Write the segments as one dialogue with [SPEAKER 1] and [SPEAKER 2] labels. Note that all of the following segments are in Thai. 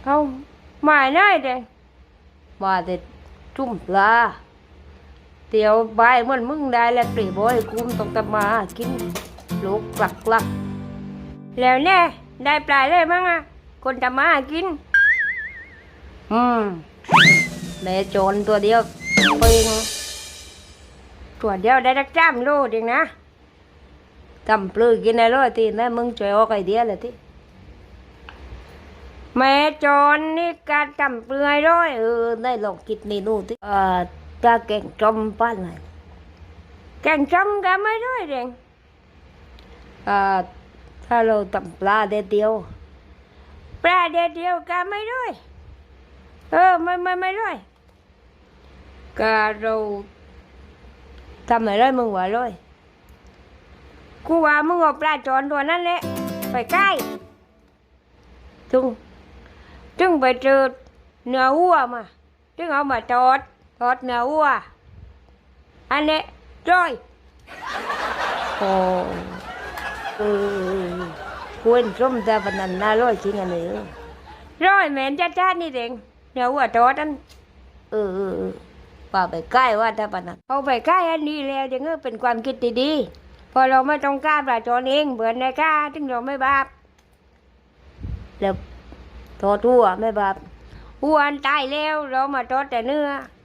[SPEAKER 1] เอามาได้เด็มาแต่จุ่มปลาเตียวใบเหมือนมึงได้แล้วปรีบอยกูมต้องตะมากินลูกกลักแล้วแน่ได้ปลาเลยมั้งอ่ะคนตะมากินแม่โจรตัวเดียวเปิงตัวเดียวได้รักจ้ามโลดเองนะทำปลื้กินได้ร้อยทีนะมึงช่วยออกไอเดียเลยทีแม่โจรนี่การทำเปลือยร้อยได้ลองคิดเมนูที่จะแกงจอมป้านไหนแกงจอมก็ไม่ร้อยเองถ้าเราทำปลาเดียวปลาเดียวก็ไม่ร้อยไม่ร้อยก็เราทำอะไรมึงว่าร้อยกูว่ามึงเอาปลาจอนตัวนั้นแหละไปใกล้จึงไปเจอเนื้อวัวมาจึงเอามาทอดเนื้อวัวอันนี้จ้อยโอ้ควรส้มแต่ปนันน่าร้อยจริงอันนี้ร้อยแม่นจ้านี่เองเนื้อวัวทอดอันป่าไปใกล้ว่าถ้าปนันเอาไปใกล้อันนี้แล้วเดี๋ยวเป็นความคิดดีๆพอเราไม่ต้องกล้าปลาจอนเองเบื่อในกล้าจึงเราไม่บาปแล้วทอดหัวไม่บาปหัวอันตายแล้วเรามาทอดแต่เนื้อ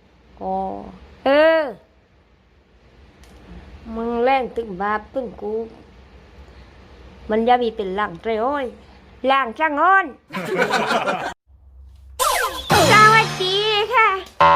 [SPEAKER 1] มึงแรงตึงบาปตึงกูมันจะมีเป็นหลังเตยโอ้ยหลังช่างอ้อนสวัสดีค่ะ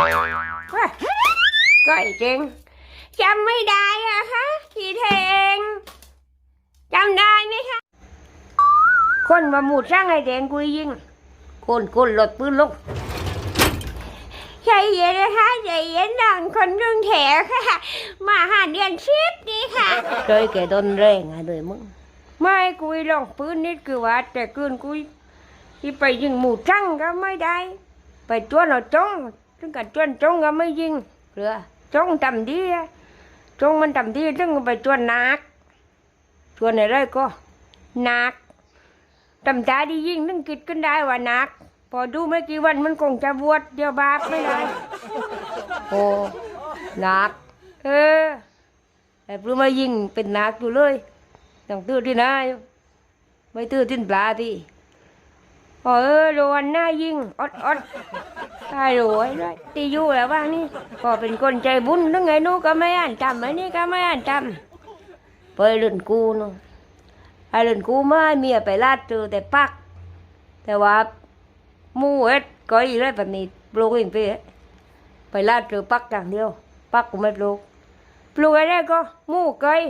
[SPEAKER 1] ก็ไอ้เจงจำไม่ได้อะคะพี่เทงจำได้ไหมคะคนมาหมุดช่างไอ้เจงกูยิงคนหลดปืนลงใจเย็นนะคะใจเย็นดังคนกรุงเทพค่ะมาหาเดือนชิปนี่ค่ะเคยแกโดนแรงอะเลยมึงไม่กุยลองปืนนิดคือว่าแต่คืนกุยที่ไปยิงหมูช่างก็ไม่ได้ไปจวนเราจ้องถึงกับจวนจ้องก็ไม่ยิงเรือจ้องทำดีจ้องมันทำดีถึงไปจวนนักจวนอะไรก็นักทำตาดียิงถึงคิดขึ้นได้ว่านักพอดูไม่กี่วันมันคงจะบวชเดี๋ยวบาปไม่ได้โอ้นักแต่พอมายิงเป็นนักอยู่เลยต้องตื้อที่ไหนไม่ตื้อที่ปลาที่โดนหน้ายิงอดตายรวยด้วยตีอยู่แล้วบ้างนี่พอเป็นคนใจบุญทั้งไงนู้ก็ไม่อ่านจำไอ้นี่ก็ไม่อ่านจำไปเล่นกูนู่นไอ้เล่นกูไม่เมียไปลาดเจอแต่ปักแต่ว่ามูเอ็ดก็อีไรแบบนี้ปลูกเองไปลาดเจอปักอย่างเดียวปักกูไม่ปลูกอะไรก็มูเกย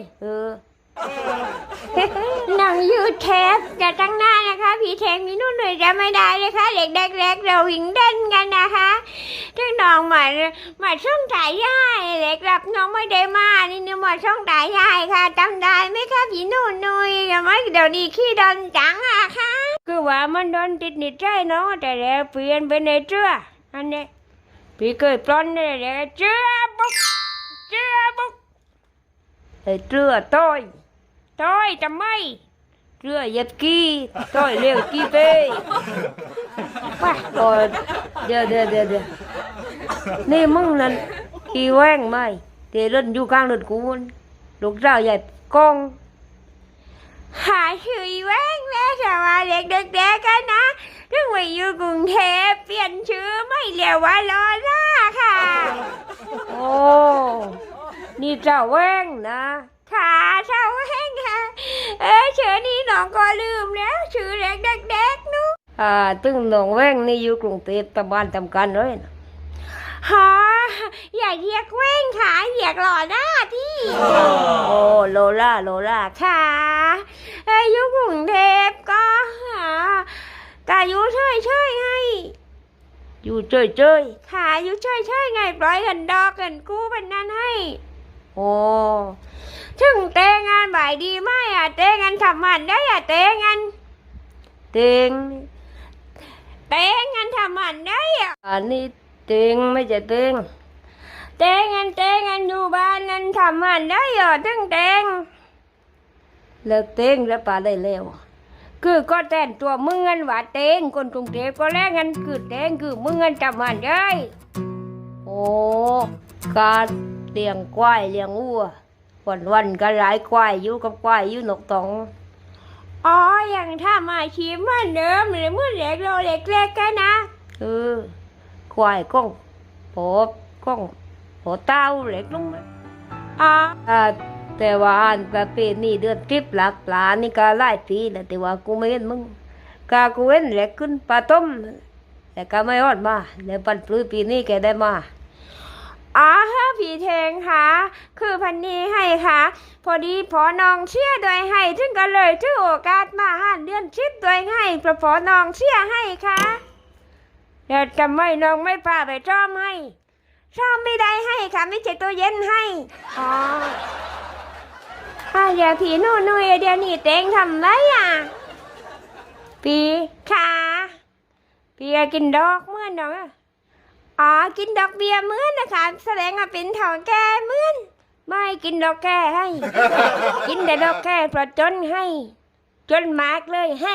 [SPEAKER 1] หนังยูเทปจะตั้งหน้านะคะพี่เทงมีนู่นหน่อยจะไม่ได้เลยค่ะเด็กเล็กเราวิ่งเล่นกันนะคะทึ่งน้องมาช่องถ่ายยายเด็กรับน้องไม่ได้มานี่นึกมาช่องถ่ายยายค่ะจำได้ไหมคะพี่นู่นนุยทำไมเดี๋ยวนี้ขี้ดอนจังอะคะคือว่ามันโดนติดนิดใจเนาะแต่แล้วเปลี่ยนไปในเจ้าอันนี้พี่เคยปล้นเลยแล้วเจ้าบุกไอ้เจ้าต้อยทำไมเรือเหยียบกี้ต้อยเร็วกี้เป้ป่ะเดี๋ยวนี่มึงนั่นกี่แว่งไหมเดี๋ยวเล่นอยู่กลางเล่นกูลูกสาวใหญ่กองหาชื่อแว่งแล้วแต่ว่าเด็กกันนะเรื่องไปอยู่กรุงเทพเปลี่ยนชื่อไม่เรียกว่าลอล่าค่ะโอ้นี่เจ้าแว่งนะค่ะเจ้าแว่งค่ะชื่อนี้น้องก็ลืมแล้วชื่อเด็กนู้ตึงน้องแว่งนี่อยู่กรุงเทพตะบ้านทำกันเลยนะอย่าเรียกแว่งค่ะเรียกหล่อหน้าที่โอ้โลล่าค่ะอยู่กรุงเทพก็อยู่เฉยให้อยู่เฉยค่ะอยู่เฉยไงปล่อยเงินดอกเงินกู้เป็นนั้นให้โอ้ถึงเตงงานบ่ายดีไหมเตงงานทำมันได้เตงงานทำมันได้อันนี้เตงไม่ใช่เตงงานอยู่บ้านงานทำมันได้ถึงเตงแล้วเตงแล้วป่าได้แล้วคือก็แต่นตัวมึงเงินว่าเตงคนกรุงเทพก็แลกเงินคือเตงคือมึงเงินจำมันได้โอ้การเลี้ยงควายเลี้ยงวัววันก็หลายควายอยู่กับควายอยู่นกตองอ๋ออย่างถ้ามาชีพเหมือนเดิมหรือเมื่อเล็กเราเล็กๆกันนะควายก้องโผก้องโผเต้าเล็กลงมาอ๋อแต่ว่าอันประเพณีเดือนทริปหลักปลานี่ก็หลายปีแล้วแต่ว่ากูไม่เห็นมึงกากูเห็นแหลกขึ้นปลาต้มแต่ก็ไม่รอดมาแล้วปันปลื้มปีนี้แกได้มาอ๋อฮะพี่เทงค่ะคือพันนี้ให้ค่ะพอดีพอน้องเชื่อโดยให้ถึงก็เลยถือโอกาสมาหาเดือนทริปโดยให้เพราะพอน้องเชื่อให้ค่ะแต่ทำไมน้องไม่พาไปชอมให้ชอมไม่ได้ให้ค่ะไม่ใช่ตัวเย็นให้อ๋อเดี๋ยวพี่นู่นเดี๋ยวนี่เต็งทำไรอ่ะพี่ค่ะพี่กินดอกเมื่อนน้องอ๋อกินดอกเบี้ยเหมือนนะคะแสดงว่าเป็นเถ่าแก่เหมือนไม่กินดอกแก่ให้ กินแต่ดอกแก่เพราะจนให้จนมากเลยให้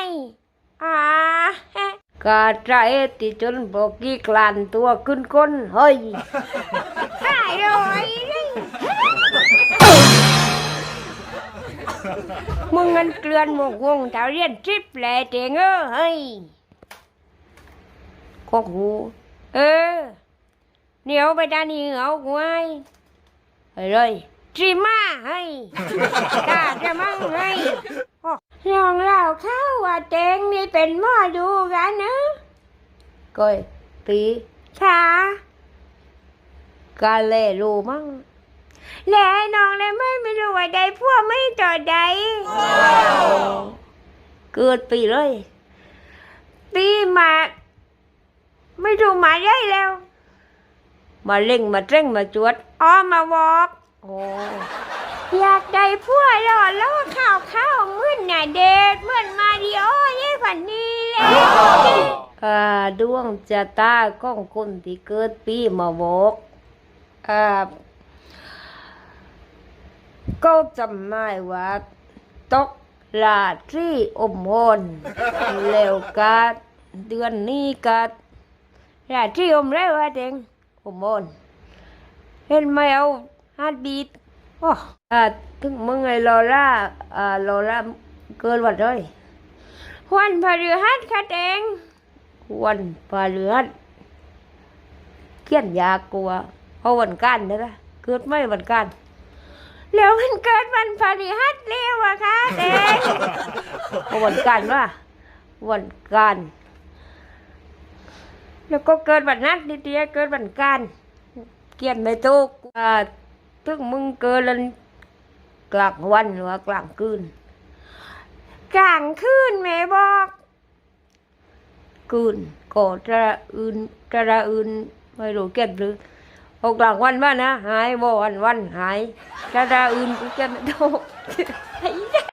[SPEAKER 1] กาใจที่จนบอกกี่กลั่นตัวขึ้นก้นเฮ้ยหายเลยมึงเงินเกลือนหมกวงเท่าเรียนทริปแหล่เจงเฮ้ยกกหูเหนียวไปด้านนี้เอาไว้เลยจีมาให้กาจะมั่งให้ลองเล่าเข้าว่าเจงนี่เป็นหม้อดูกันนะก้อยปีค่ะกาเล่รู้มั่งแล่น้องเลยไม่รู้ว่าใดพวกไม่ต่อใดเกิดปีเลยปีมาไม่รู้มาได้แล้วมาเล่งมาเร่งมาจวดมาบอกอยากได้พวกหล่อล้อข้าวเหมือนน่ะเด็ดเหมือนมาริโอยี่ฝันนี้เลยดวงจะตาของคนที่เกิดปีมาบอกก็จำได้ว่าตกราตรีอมพลแล้วก็เดือนนี้ก็ราตรีอมแล้วเด็งอมพลเห็นไหมเอาฮาร์ดบีทถึงมึงไงลอร่าเกินวันเลยวันพฤหัสค่ะเด็งวันพฤหัสเขียนยากกว่าเพราะวันกันนะเกิดไม่วันกันแล้วมันเกิดวันพฤหัสเร็วอะค่ะเด็กวันกันว่าวันกันแล้วก็เกิดวันนัดนิดเดียวเกิดวันกันเกียนไม่ถูกถึงมึงเกิดแล้วกลางวันหรือว่ากลางคืนกลางคืนแม่บอกคืนก็จะอื่นไม่รู้เก็บหรือเอากลางวันว่านะหายบ่วันหายถ้าอื่นกูจะไม่ถูก